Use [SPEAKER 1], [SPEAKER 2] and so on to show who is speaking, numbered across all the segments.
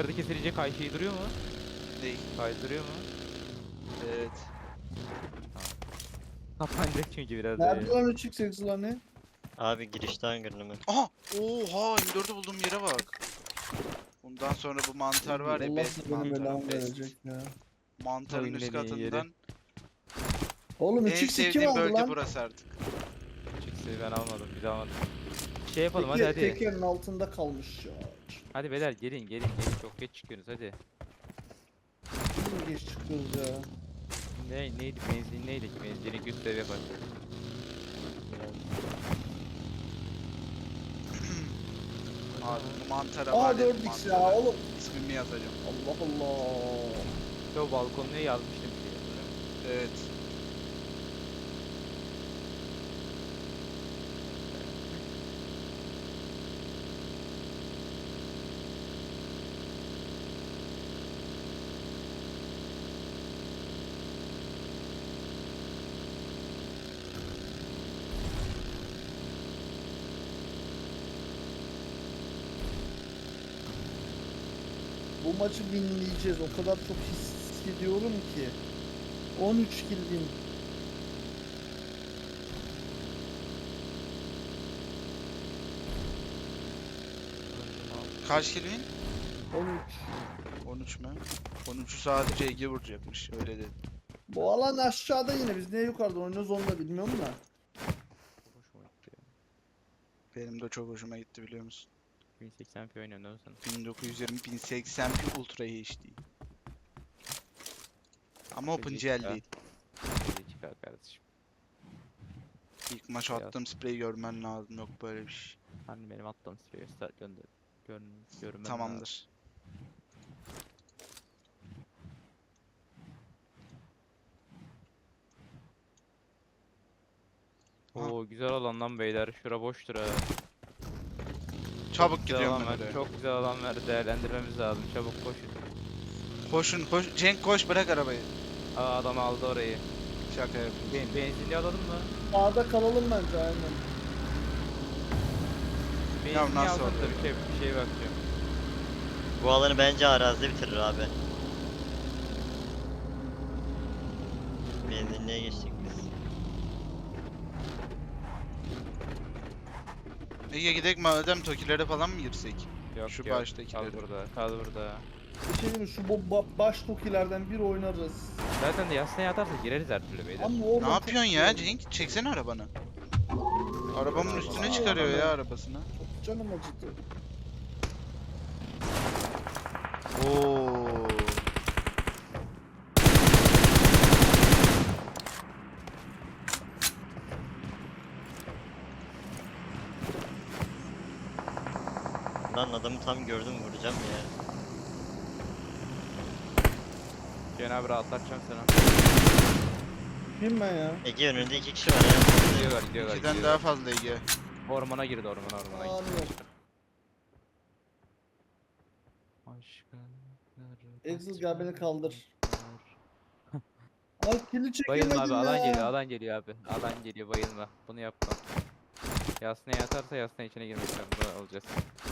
[SPEAKER 1] Yukarıda kesilecek şey duruyor mu?
[SPEAKER 2] Değil.
[SPEAKER 1] Kaydırıyor mu?
[SPEAKER 2] Evet.
[SPEAKER 1] Kapanacak çünkü biraz
[SPEAKER 3] Nerede
[SPEAKER 1] böyle.
[SPEAKER 3] lan 3x lan ne?
[SPEAKER 4] Abi girişten görünümü.
[SPEAKER 2] Aha! Oha! M4'ü bulduğum yere bak. Bundan sonra bu mantar var ya,
[SPEAKER 3] Allah
[SPEAKER 2] best
[SPEAKER 3] da benim
[SPEAKER 2] mantar,
[SPEAKER 3] belamı
[SPEAKER 2] best.
[SPEAKER 3] verecek ya.
[SPEAKER 2] Mantarın
[SPEAKER 1] Oyunun
[SPEAKER 2] üst
[SPEAKER 1] en iyi yeri.
[SPEAKER 2] katından
[SPEAKER 3] Oğlum
[SPEAKER 2] en
[SPEAKER 3] 3x kim
[SPEAKER 2] sevdiğim
[SPEAKER 3] aldı
[SPEAKER 2] bölge
[SPEAKER 3] lan?
[SPEAKER 2] burası artık.
[SPEAKER 1] Çıksı ben almadım, bir daha almadım. Şey yapalım hadi
[SPEAKER 3] Teker,
[SPEAKER 1] hadi.
[SPEAKER 3] tekerin altında kalmış ya.
[SPEAKER 1] Hadi beyler gelin çok geç çıkıyorsunuz hadi.
[SPEAKER 3] Şimdi geç çıkıyoruz ya.
[SPEAKER 1] Neydi benzin neydi ki benzini göster yapar.
[SPEAKER 2] Abi bu mantara
[SPEAKER 3] Aa
[SPEAKER 2] var ya,
[SPEAKER 3] 4x ya
[SPEAKER 2] mantara.
[SPEAKER 3] oğlum.
[SPEAKER 2] İsmimi yazacağım.
[SPEAKER 3] Allah Allah.
[SPEAKER 1] Yo balkonuna yazmıştım bir şey. Hatırlıyor musun?
[SPEAKER 2] Evet.
[SPEAKER 3] Bu maçı winleyeceğiz. O kadar çok hissediyorum ki. 13 kill win.
[SPEAKER 2] Kaç kill win?
[SPEAKER 3] 13.
[SPEAKER 2] 13 mü? 13'ü sadece Ege vuracakmış, öyle dedi.
[SPEAKER 3] Bu alan aşağıda yine. Biz niye yukarıda oynuyoruz onu da bilmiyorum da.
[SPEAKER 1] Hoşuma gitti ya.
[SPEAKER 2] Benim de çok hoşuma gitti, biliyor musun?
[SPEAKER 1] 1080p oynuyorum değil mi sen?
[SPEAKER 2] 1920 1080p Ultra HD. Ama OpenGL değil.
[SPEAKER 1] Hadi çıkar kardeşim.
[SPEAKER 2] İlk maç
[SPEAKER 1] Beyaz.
[SPEAKER 2] attığım spreyi görmen lazım, yok böyle bir şey.
[SPEAKER 1] Hani benim attığım sırayı start gönder. Görmem lazım.
[SPEAKER 2] Tamamdır.
[SPEAKER 1] Oo güzel alan lan beyler. Şura boştur ha.
[SPEAKER 2] Çabuk
[SPEAKER 1] Güzel
[SPEAKER 2] gidiyorum
[SPEAKER 1] alan
[SPEAKER 2] ben
[SPEAKER 1] ver.
[SPEAKER 2] oraya.
[SPEAKER 1] Çok güzel alan ver. Değerlendirmemiz lazım. Çabuk koşun.
[SPEAKER 2] Koşun koş. Cenk koş, bırak arabayı.
[SPEAKER 1] Aa adam aldı orayı.
[SPEAKER 2] Şaka yapıyorum.
[SPEAKER 1] Benzinli alalım mı?
[SPEAKER 3] Sağda kalalım bence aynen.
[SPEAKER 1] Benzinli
[SPEAKER 2] nasıl
[SPEAKER 1] aldım da
[SPEAKER 2] oluyor?
[SPEAKER 1] bir şey bakacağım.
[SPEAKER 4] Bu alanı bence arazide bitirir abi. Benzinliğe geçtik biz.
[SPEAKER 2] Ege gidelim madem, Tokilere falan mı girsek?
[SPEAKER 1] Yok
[SPEAKER 2] Şu
[SPEAKER 1] yok.
[SPEAKER 2] baştakileri.
[SPEAKER 1] Kal burada. Kal burada.
[SPEAKER 3] Bir şey diyeyim mi? Şu baş tokilerden bir oynarız.
[SPEAKER 1] Zaten de yasnaya atarsa gireriz her türlü beyler.
[SPEAKER 3] Ama orada
[SPEAKER 2] Ne
[SPEAKER 3] çok
[SPEAKER 2] yapıyorsun
[SPEAKER 3] şey
[SPEAKER 2] ya
[SPEAKER 3] oldu.
[SPEAKER 2] Cenk? Çeksene arabanı. Arabamın üstüne
[SPEAKER 3] Aa,
[SPEAKER 2] çıkarıyor ya
[SPEAKER 3] adam.
[SPEAKER 2] arabasını.
[SPEAKER 3] Canım acıdı.
[SPEAKER 2] Oo.
[SPEAKER 4] Lan adamı tam gördüm, vuracağım ya.
[SPEAKER 1] Cenab-ı rahatlatacağım sana.
[SPEAKER 3] Kim ben ya?
[SPEAKER 4] Ege önünde 2 kişi var ya.
[SPEAKER 1] Gidiyorlar.
[SPEAKER 2] İkiden daha fazla Ege.
[SPEAKER 1] Ormana girdi ormana
[SPEAKER 3] Aa,
[SPEAKER 1] gitti.
[SPEAKER 3] yok.
[SPEAKER 1] Aşkınları
[SPEAKER 3] Exil gel beni kaldır. Ay kili çekemedim
[SPEAKER 1] Bayılma abi
[SPEAKER 3] ya.
[SPEAKER 1] alan geliyor abi. Alan geliyor bayılma. Bunu yapma. Yasnaya yatarsa yasnaya içine girmek zorunda olacağız.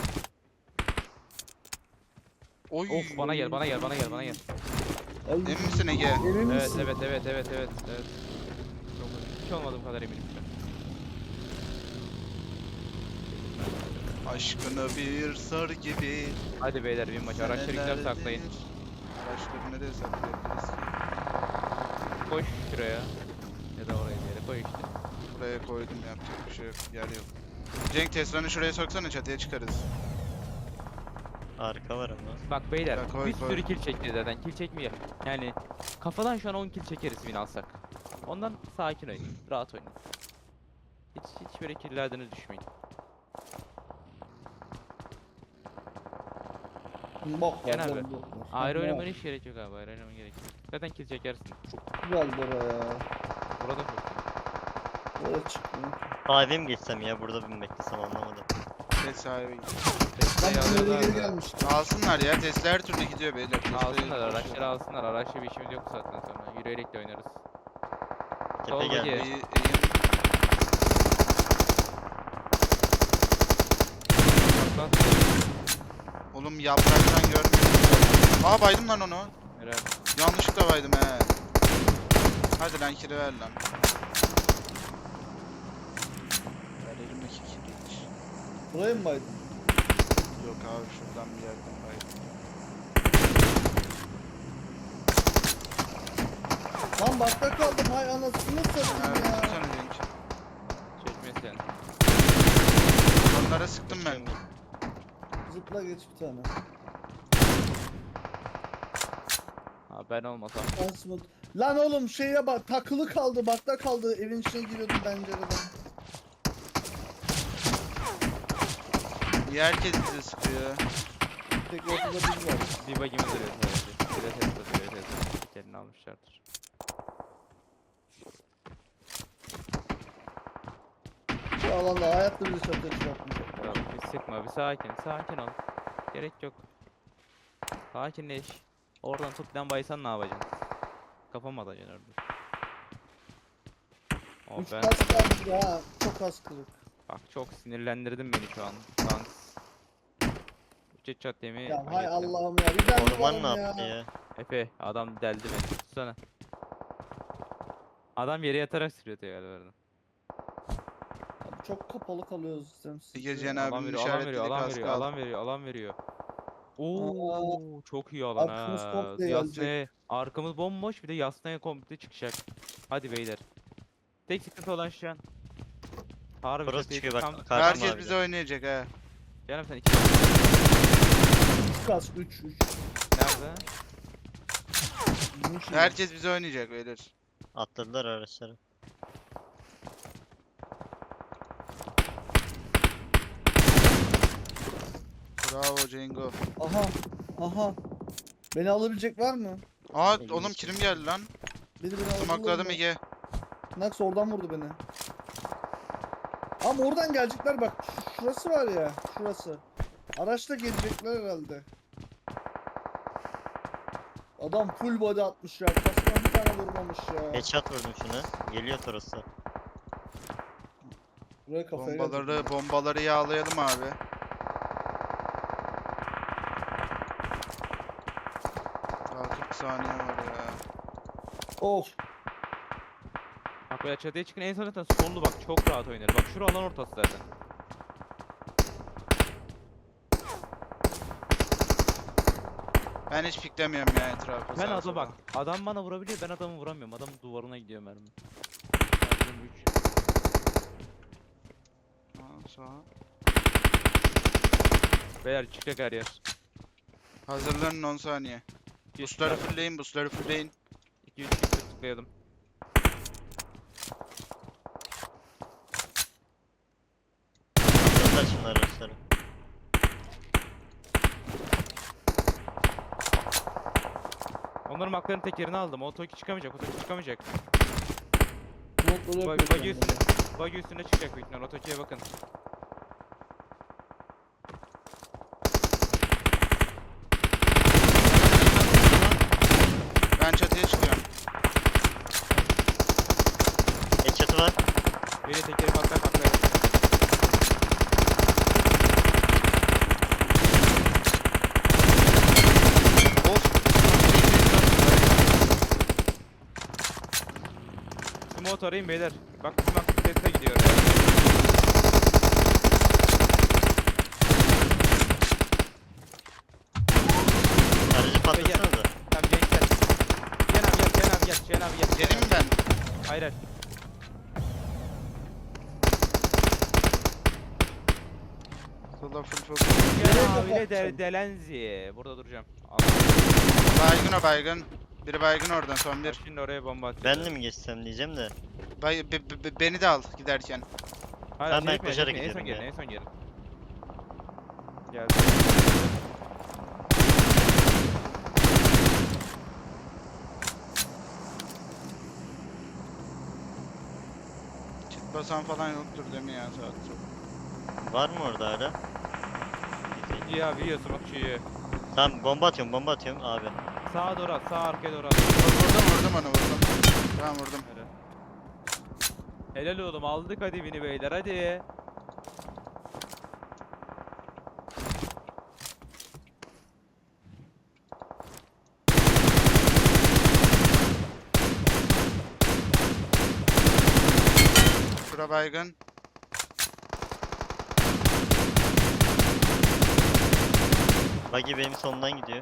[SPEAKER 2] Oy.
[SPEAKER 1] Of bana gel.
[SPEAKER 3] Ay,
[SPEAKER 2] Emin misin Ege?
[SPEAKER 3] Emin
[SPEAKER 1] Evet
[SPEAKER 3] misin?
[SPEAKER 1] evet. Çok hiç olmadığım kadar eminim şu an.
[SPEAKER 2] Aşkını bir sar gibi.
[SPEAKER 1] Hadi beyler bir maç araçları güzel saklayın.
[SPEAKER 2] Araçları nereye saklayabiliriz ki?
[SPEAKER 1] Koş şuraya. Ya da oraya bir yere koy işte.
[SPEAKER 2] Buraya koydum, yapacak bir şey yok. Yer yok. Cenk Tesla'nı şuraya soksana, çatıya çıkarız.
[SPEAKER 4] Arka var ama.
[SPEAKER 1] Bak beyler
[SPEAKER 2] Ya koy,
[SPEAKER 1] bir
[SPEAKER 2] koy.
[SPEAKER 1] sürü kill çekti zaten. Kill çekmiyor. Yani kafadan şu an 10 kill çekeriz win alsak. Ondan sakin oynayın. Rahat oynayın. Hiç böyle killlerden düşmeyin.
[SPEAKER 3] Bak
[SPEAKER 1] Gel
[SPEAKER 3] bak,
[SPEAKER 1] abi.
[SPEAKER 3] bak, bak.
[SPEAKER 1] Ayrı
[SPEAKER 3] Bak,
[SPEAKER 1] oynamana hiç gerek yok abi. Ayrı oynamana gerek yok. Zaten kill çekersin.
[SPEAKER 3] Güzel buraya.
[SPEAKER 1] Burada çok.
[SPEAKER 3] Oraya çıkmıyor.
[SPEAKER 4] Sahibe mi geçsem ya, burada bir beklesem anlamadım.
[SPEAKER 2] Tesla'ya git.
[SPEAKER 1] Tesla'yı
[SPEAKER 3] Ben buraya
[SPEAKER 1] alıyorlar
[SPEAKER 3] geri
[SPEAKER 1] da.
[SPEAKER 3] gelmiştim.
[SPEAKER 2] Alsınlar ya, Tesla her türlü gidiyor beyler. Tesla'yı
[SPEAKER 1] Alsınlar araçları alsınlar. Araçla bir işimiz yok bu saatten sonra. Yürüyerek de oynarız.
[SPEAKER 4] Tepe
[SPEAKER 1] Sol
[SPEAKER 4] geldi.
[SPEAKER 1] bagi.
[SPEAKER 2] İyi,
[SPEAKER 1] Bak.
[SPEAKER 2] Oğlum yapraktan görmüyorum. Aa baydım lan onu.
[SPEAKER 1] Helal.
[SPEAKER 2] Yanlışlıkla baydım he. Hadi lan kiri ver lan. Ver elimdeki kiri hiç.
[SPEAKER 3] Buraya mı baydın?
[SPEAKER 2] Yok abi şuradan bir yerden baydım.
[SPEAKER 3] Lan bakta kaldım. Hay anasını
[SPEAKER 2] Ha,
[SPEAKER 3] satayım
[SPEAKER 2] bir
[SPEAKER 3] ya.
[SPEAKER 2] tane link.
[SPEAKER 1] Çekmesin.
[SPEAKER 2] Onlara sıktım ben.
[SPEAKER 3] Zıpla geç bir tane.
[SPEAKER 1] Ha ben olmasam.
[SPEAKER 3] Asmut. Lan oğlum şeye bak, takılı kaldı, bakta kaldı. Evin içine giriyordum pencereden.
[SPEAKER 2] Niye herkes bize sıkıyor?
[SPEAKER 3] Tek ortada biz var.
[SPEAKER 1] Bir bagimiz duruyor sadece. Bir de Tesla duruyor Tesla. Tekerini almışlardır.
[SPEAKER 3] Şu alanda hayatta bizi çatıya çıkartmayacak.
[SPEAKER 1] Kral bir sıkma bir sakin ol. Gerek yok. Sakinleş. Oradan tut lan baysan ne yapacaksın? Kafam atacaksın orada. O
[SPEAKER 3] 3
[SPEAKER 1] ben
[SPEAKER 3] kas kaldı ha. Çok az kırık.
[SPEAKER 1] bak çok sinirlendirdin beni şu an. Dans. Üç çat yemeği.
[SPEAKER 3] Ya
[SPEAKER 1] hak
[SPEAKER 3] hay
[SPEAKER 1] ettim.
[SPEAKER 3] Allah'ım ya. Bir ben
[SPEAKER 4] Orman ne
[SPEAKER 3] varım
[SPEAKER 4] yaptı
[SPEAKER 3] ya.
[SPEAKER 4] ya?
[SPEAKER 1] Efe adam deldi beni. Tutsana. Adam yere yatarak sürüyor galiba.
[SPEAKER 3] Abi çok kapalı kalıyoruz istemsiz.
[SPEAKER 2] Bir gece
[SPEAKER 3] ya.
[SPEAKER 2] abinin
[SPEAKER 1] Alan veriyor,
[SPEAKER 2] işaretlediği
[SPEAKER 1] alan
[SPEAKER 2] kaskı
[SPEAKER 1] veriyor,
[SPEAKER 2] al.
[SPEAKER 1] alan veriyor, alan veriyor. Oo, çok iyi alan
[SPEAKER 3] Arkamız
[SPEAKER 1] ha.
[SPEAKER 3] komple
[SPEAKER 1] Yasnaya, arkamız bomboş bir de Yasnaya komple çıkacak. Hadi beyler. Tek sıkıntı olan şu an. Harbi
[SPEAKER 4] Burası
[SPEAKER 1] çatıya
[SPEAKER 4] çıkıyor bak,
[SPEAKER 1] tam-
[SPEAKER 4] karşıma
[SPEAKER 2] Herkes
[SPEAKER 4] abi.
[SPEAKER 2] bize oynayacak ha.
[SPEAKER 1] Canım sen iki
[SPEAKER 3] 3 kas 3 3.
[SPEAKER 1] nerede?
[SPEAKER 2] Herkes bize oynayacak beyler.
[SPEAKER 4] Atladılar araçları.
[SPEAKER 2] Bravo Cengo.
[SPEAKER 3] Aha. Aha. Beni alabilecek var mı?
[SPEAKER 2] Aa
[SPEAKER 4] İlginç.
[SPEAKER 2] oğlum kirim geldi lan.
[SPEAKER 3] Beni alabilir
[SPEAKER 2] Smokladım
[SPEAKER 3] mi?
[SPEAKER 2] Ege.
[SPEAKER 3] Nax oradan vurdu beni. Ama oradan gelecekler bak. Şurası var ya. Şurası. Araçla gelecekler herhalde. Adam full body atmış ya. Kastan bir tane vurmamış ya.
[SPEAKER 4] Headshot vurdum şuna. Geliyor Toros'ta.
[SPEAKER 3] Buraya kafaya gelecek.
[SPEAKER 2] Bombaları yağlayalım abi. Daha 40 saniye var ya.
[SPEAKER 3] Of.
[SPEAKER 1] Bak böyle çatıya çıkın en son zaten sollu bak çok rahat oynar. Bak şura alan ortası zaten.
[SPEAKER 2] Ben hiç piklemiyorum ya etrafı.
[SPEAKER 1] Ben
[SPEAKER 2] sağa
[SPEAKER 1] adam
[SPEAKER 2] sola.
[SPEAKER 1] bak. Adam bana vurabiliyor ben adamı vuramıyorum. Adamın duvarına gidiyor mermi. Mermim üç.
[SPEAKER 2] Sağa.
[SPEAKER 1] Beyler çıkacak her yer.
[SPEAKER 2] Hazırlanın 10 saniye. Busları fullleyin, busları fullleyin.
[SPEAKER 1] 2-3 tıklayalım.
[SPEAKER 4] Atladılar şimdi araçları.
[SPEAKER 1] Onların makların tekerini aldım. O Toki çıkamayacak. O Toki çıkamayacak.
[SPEAKER 3] Blokları
[SPEAKER 1] Bagi
[SPEAKER 3] yapıyor
[SPEAKER 1] üstüne.
[SPEAKER 3] kendine.
[SPEAKER 1] Bagi üstüne çıkacak büyük ihtimalle. O Toki'ye bakın.
[SPEAKER 2] Ben çatıya çıkıyorum.
[SPEAKER 4] Headshot'ı var.
[SPEAKER 1] Biri tekeri patlar patlar.
[SPEAKER 2] Of.
[SPEAKER 1] Smoke arayın beyler. Bak bizim aktivitete gidiyor ya.
[SPEAKER 4] Aracı patlatsanıza.
[SPEAKER 1] Tamam gençler. Cihan abi gel. Cihan abi gel. Cihan abi gel.
[SPEAKER 2] Gelin mi ben?
[SPEAKER 1] Hayır hayır.
[SPEAKER 2] Sola full focus.
[SPEAKER 1] Cihan
[SPEAKER 3] Nereye
[SPEAKER 1] abiyle
[SPEAKER 3] kapatacağım?
[SPEAKER 1] Delenzi. Burada duracağım. Al.
[SPEAKER 2] Baygın o baygın. Biri baygın oradan son bir.
[SPEAKER 1] Şimdi oraya bomba atacağım.
[SPEAKER 4] Ben de mi geçsem diyeceğim de.
[SPEAKER 2] Beni de al giderken.
[SPEAKER 1] Hayır,
[SPEAKER 4] Ben
[SPEAKER 1] acele etmeyin,
[SPEAKER 4] koşarak
[SPEAKER 1] acele etmeyin.
[SPEAKER 4] gidiyorum
[SPEAKER 1] En
[SPEAKER 4] ya.
[SPEAKER 1] son gelin. Geldim.
[SPEAKER 2] Kit basan falan yoktur değil mi ya saat çok.
[SPEAKER 4] Var mı orada hala?
[SPEAKER 1] Ya biliyorsun bak şu
[SPEAKER 4] Tamam bomba atıyorum abi.
[SPEAKER 1] sağa doğru at, sağ arkaya doğru at.
[SPEAKER 2] Vurdum onu vurdum. Tamam vurdum.
[SPEAKER 1] Helal oğlum aldık hadi beni beyler hadi.
[SPEAKER 2] Bura baygın.
[SPEAKER 4] Buggy benim sonumdan gidiyor.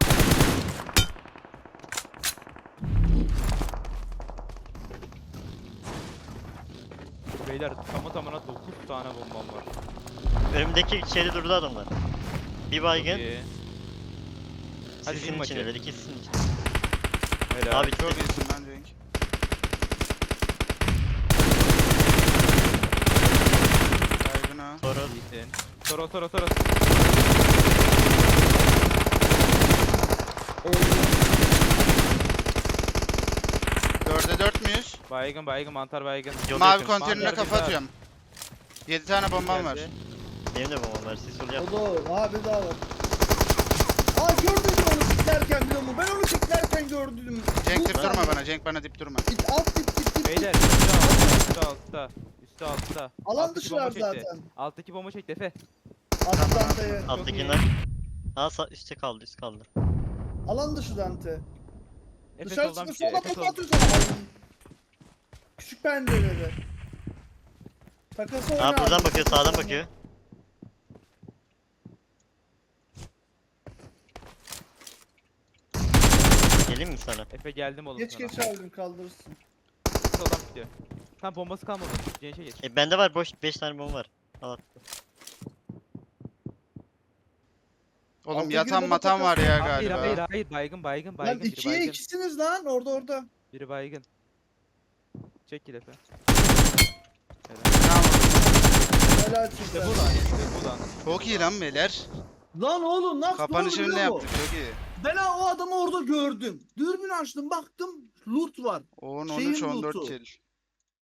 [SPEAKER 1] Beyler tamına 9 tane bombam var.
[SPEAKER 4] Önümdeki şeyde durdu adamlar. Bir baygın.
[SPEAKER 1] İyi. Hadi
[SPEAKER 4] Sizin
[SPEAKER 1] bin
[SPEAKER 4] içindeler,
[SPEAKER 1] bakayım.
[SPEAKER 4] ikisi sizin için.
[SPEAKER 1] Helal.
[SPEAKER 4] Abi
[SPEAKER 2] Çok iyisin lan Cenk. Baygın ha.
[SPEAKER 4] sonra
[SPEAKER 1] İyisin. Toro.
[SPEAKER 2] Dörde 4 müyüz?
[SPEAKER 1] Baygın mantar baygın.
[SPEAKER 4] Yol
[SPEAKER 2] Mavi
[SPEAKER 4] yakın.
[SPEAKER 2] konteynerine
[SPEAKER 1] Mantar
[SPEAKER 2] kafa
[SPEAKER 1] bir
[SPEAKER 2] atıyorum. 7 tane bombam var.
[SPEAKER 1] Geldi.
[SPEAKER 4] benim de bombam var. Siz sol yap.
[SPEAKER 3] O da abi daha var. Aa gördün mü onu piklerken biliyor musun? Ben onu piklerken gördüm.
[SPEAKER 2] Cenk
[SPEAKER 3] Bu
[SPEAKER 2] dip durma
[SPEAKER 3] saniye.
[SPEAKER 2] bana. Cenk bana dip durma.
[SPEAKER 3] Git alt git.
[SPEAKER 1] Beyler üstü altta. Üstü altta.
[SPEAKER 3] Alan
[SPEAKER 1] Alttaki
[SPEAKER 3] dışılar
[SPEAKER 1] bomba çekti.
[SPEAKER 3] zaten.
[SPEAKER 1] Alttaki bomba çekti Efe.
[SPEAKER 3] Alt Dante'ye.
[SPEAKER 4] Alttakiler. Ha üstte kaldı, üst kaldı.
[SPEAKER 3] Alan dışı Dante.
[SPEAKER 1] Efe
[SPEAKER 3] Dışarı
[SPEAKER 1] soldan
[SPEAKER 3] çıkıp
[SPEAKER 1] bitiyor.
[SPEAKER 3] sola
[SPEAKER 1] Efe
[SPEAKER 3] kafa
[SPEAKER 1] sol.
[SPEAKER 3] atıyor sana. Ay. Küçük pencerede. Takası oyna.
[SPEAKER 4] Ha buradan
[SPEAKER 3] abi.
[SPEAKER 4] bakıyor, sağdan bakıyor. Geleyim mi sana?
[SPEAKER 1] Efe geldim oğlum
[SPEAKER 3] Geç
[SPEAKER 1] sana.
[SPEAKER 3] geç aldım kaldırırsın.
[SPEAKER 1] Soldan bitiyor. Tam bombası kalmadı. Gençe geç.
[SPEAKER 4] Bende var boş 5 tane bomba var. Al at.
[SPEAKER 2] Oğlum
[SPEAKER 3] Alttaki
[SPEAKER 2] yatan
[SPEAKER 3] bomba
[SPEAKER 2] matan var ya
[SPEAKER 1] Hayır
[SPEAKER 2] galiba.
[SPEAKER 1] hayır baygın
[SPEAKER 3] Lan
[SPEAKER 1] biri
[SPEAKER 3] 2'ye
[SPEAKER 1] baygın.
[SPEAKER 3] 2'siniz lan orada.
[SPEAKER 1] Biri baygın. Çekil Efe.
[SPEAKER 2] Bravo.
[SPEAKER 3] Helal
[SPEAKER 1] İşte
[SPEAKER 3] size.
[SPEAKER 1] bu lan işte bu lan.
[SPEAKER 2] Çok iyi lan beyler.
[SPEAKER 3] Lan oğlum nasıl
[SPEAKER 2] Kapanışını ne
[SPEAKER 3] biliyor
[SPEAKER 2] yaptık?
[SPEAKER 3] musun?
[SPEAKER 2] Çok iyi.
[SPEAKER 3] Ben o adamı orada gördüm. Dürbün açtım baktım loot var.
[SPEAKER 2] 10,
[SPEAKER 3] Şeyin
[SPEAKER 2] 13, 14
[SPEAKER 3] loot'u.
[SPEAKER 2] kill.